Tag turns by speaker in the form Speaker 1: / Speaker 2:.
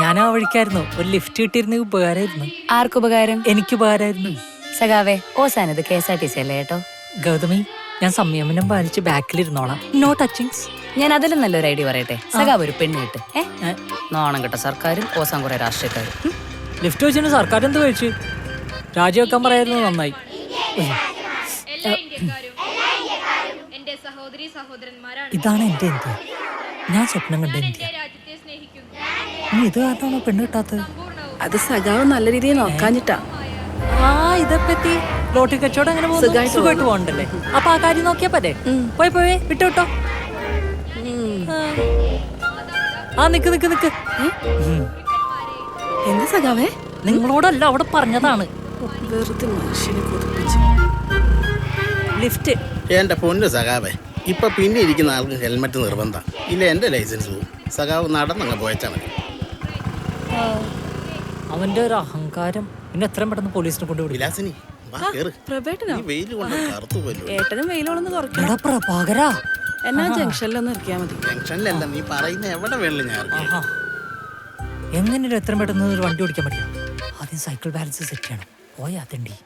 Speaker 1: ഞാൻ ആ വഴിക്കായിരുന്നു. ഒരു ലിഫ്റ്റ് കിട്ടിയിരുന്നെങ്കിൽ ഉപകാരമായിരുന്നു.
Speaker 2: ആർക്കുപകാരം?
Speaker 1: എനിക്ക് ഉപകാരമായിരുന്നു.
Speaker 2: സഖാവേ ഓസാനത് KSRTC അല്ലേ കേട്ടോ.
Speaker 1: ഗൗതമി, ഞാൻ സംയമനം പാലിച്ച് ബാക്കിലിരുന്നോളാം. No touchings.
Speaker 2: ഞാൻ അതിലും നല്ലൊരു ഐഡിയ പറയട്ടെ. സഖാവ് ഒരു പെണ്ണ് കിട്ട്. നോണം കിട്ട സർക്കാരും ഓസാൻ കുറെ രാഷ്ട്രീയക്കാരും.
Speaker 1: ലിഫ്റ്റ് വെച്ചിട്ട് സർക്കാർ എന്ത് കഴിച്ചു? രാജിവെക്കാൻ പറയായിരുന്നു. നന്നായി. ഇതാണ് എന്റെ ഇന്ത്യ. ഞാൻ സ്വപ്നം കണ്ട ഇന്ത്യ. നീ ഇത് കാരണമാണോ പെണ്ണ് കിട്ടാത്തത്?
Speaker 3: അത് സഖാവ് നല്ല രീതിയിൽ നോക്കാഞ്ഞിട്ടാ.
Speaker 1: ഇതെപ്പറ്റി ലോട്ടറി കച്ചവടം അങ്ങനെ സുഖമായിട്ട് പോകണ്ടല്ലേ? അപ്പൊ ആ കാര്യം നോക്കിയാ പോരെ? പോയി വിട്ടോ. നിക്ക്.
Speaker 3: എന്താ സഖാവേ?
Speaker 1: നിങ്ങളോടല്ല, അവിടെ പറഞ്ഞതാണ്.
Speaker 3: വെറുതെ മനുഷ്യനെ കൊതിപ്പിച്ചു.
Speaker 1: ലിഫ്റ്റ്.
Speaker 4: എന്റെ പൊന്നു സഖാവേ, ഇപ്പൊ പിന്നെ ഇരിക്കുന്ന ആൾക്ക് ഹെൽമെറ്റ് നിർബന്ധം. ഇല്ല എന്റെ ലൈസൻസ് പോവും. സഖാവ് നടന്നങ്ങ് പോയച്ചാ മതി.
Speaker 1: അവന്റെ ഒരു അഹങ്കാരം. പിന്നെ എത്രയും പെട്ടെന്ന് പോലീസിനെ കൊണ്ടുവിടും.
Speaker 4: വിലാസിനി
Speaker 3: പ്രഭേട്ടനോ?
Speaker 4: വെയിൽ കൊണ്ട് കറുത്തു പോലും.
Speaker 3: ഏട്ടനും വെയിലോളൊന്ന് കുറയ്ക്കണം.
Speaker 1: പ്രഭാകരാ,
Speaker 3: എന്നാ ജംഗ്ഷനിലൊന്ന് ഇറക്കിയാ മതി.
Speaker 4: ജംഗ്ഷനിലല്ല, നീ പറയുന്ന എവിടെ വേണല്ലോ ഞാൻ.
Speaker 1: എങ്ങനെ എത്രയും പെട്ടെന്ന് ഒരു വണ്ടി ഓടിക്കാൻ പറ്റില്ല? ആദ്യം സൈക്കിൾ ബാലൻസ് സെറ്റ് ചെയ്യണം. പോയാ തണ്ടി.